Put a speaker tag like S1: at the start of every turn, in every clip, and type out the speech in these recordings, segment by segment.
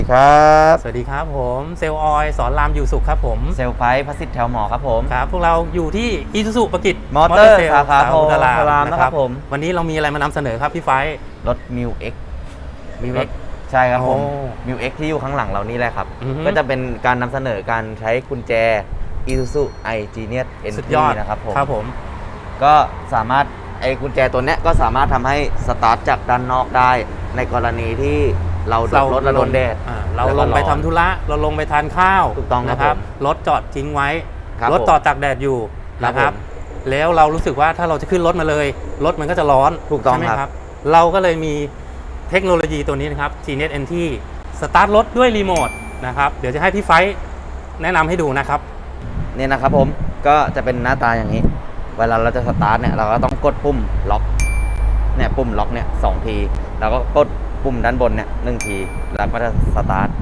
S1: ครับ
S2: สวัสดีครับผมเซลล์ออยสอนรามอยู่สุขครับผม
S1: เซลล์ไฟพัสิทธิ์แถวหมอครับผม
S2: ครับพวกเราอยู่ที่อีซูซูประกิต
S1: มอเตอร์สาขาโพ
S2: ธาราม
S1: นะครับผม
S2: วันนี้เรามีอะไรมานำเสนอครับพี่ไฟ
S1: รถมิวเอ็ก
S2: มีเอ็ก
S1: ใช่ครับผม
S2: โอ้
S1: มิวเอ็กที่อยู่ข้างหลังเรานี่แหละครับ
S2: อือฮึ
S1: ก็จะเป็นการนำเสนอการใช้กุญแจ Isuzu i Genius
S2: สุด
S1: Entry
S2: ยอด
S1: นะครับผม
S2: ครับผม
S1: ก็สามารถไอ้กุญแจตัวเนี้ยก็สามารถทำให้สตาร์ทจากด้านนอกได้ ในกรณีที่เราโดนรถและโดนแดด
S2: เรา
S1: แล้ว
S2: ล
S1: ก็
S2: งไป
S1: ร้อน
S2: ทำธุระเราลงไปทานข้าว
S1: ถูกต้องครับ
S2: นะครับ
S1: ผม
S2: รถจอดทิ้งไว้
S1: ครับ
S2: รถต่อจากแดดอยู่
S1: ครับ
S2: นะครับ
S1: ผม
S2: แล้วเรารู้สึกว่าถ้าเราจะขึ้นรถมาเลยรถมันก็จะร้อน
S1: ถูกต้อง
S2: ใช่ไหม
S1: ครับ
S2: เราก็เลยมีเทคโนโลยีตัวนี้นะครับ Genius Entry สตาร์ทรถด้วยรีโมทนะครับเดี๋ยวจะให้พี่ไฟแนะนำให้ดูนะครับ
S1: เนี่ยนะครับผมก็จะเป็นหน้าตาอย่างนี้ เวลาเราจะสตาร์ทเนี่ยเราก็ต้องกดปุ่มล็อกเนี่ยปุ่มล็อกเนี่ย2 ทีแล้วก็กดปุ่มด้านบนเนี่ย1 ทีแล้วก็จะสตาร์ท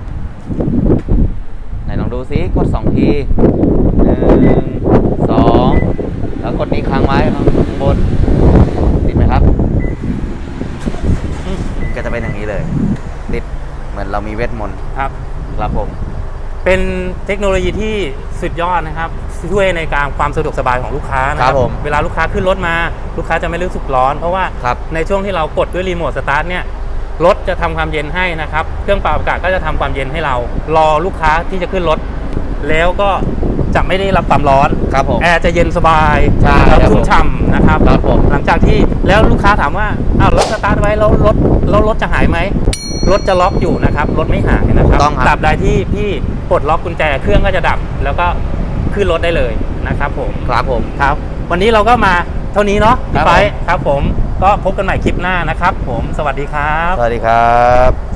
S1: ไหนลองดูซิกด2 ที1 2แล้วกดนี้ค้างไว้ข้างบนติดไหมครับก็จะเป็นอย่างนี้เลยติดเหมือนเรามีเวทมนต์
S2: ครับ
S1: ครับผม
S2: เป็นเทคโนโลยีที่สุดยอดนะครับช่วยในการความสะดวกสบายของลูกค้านะค
S1: ครั
S2: รับบ
S1: ผม
S2: เวลาลูกค้าขึ้นรถมาลูกค้าจะไม่รู้สึกร้อน เพราะว่า
S1: ครับ
S2: ในช่วงที่เรากดด้วยรีโมทสตาร์ทเนี่ยรถจะทำความเย็นให้นะครับเครื่องปรับอากาศก็จะทำความเย็นให้เรารอลูกค้าที่จะขึ้นรถแล้วก็จะไม่ได้รับความร้อน
S1: ครับผม
S2: แอร์จะเย็นสบาย
S1: ใช่
S2: ครับ
S1: ครับ
S2: ชุ่มฉ่ำนะครับ
S1: ครับผม
S2: หลังจากที่แล้วลูกค้าถามว่าอ้าวรถสตาร์ทไว้แล้วรถจะหายไหมรถจะล็อกอยู่นะครับรถไม่หายนะครับ
S1: ต้องครับ
S2: ตราบใดที่พี่ปลดล็อกกุญแจเครื่องก็จะดับ แล้วก็ขึ้นรถได้เลยนะครับผม
S1: ครับผม
S2: ครับ วันนี้เราก็มาเท่านี้เนาะ
S1: ครั
S2: พี่
S1: บ
S2: ไฟ
S1: ผม
S2: ครับผมก็พบกันใหม่คลิปหน้านะครับผมสวัสดีครับ
S1: สวัสดีครับ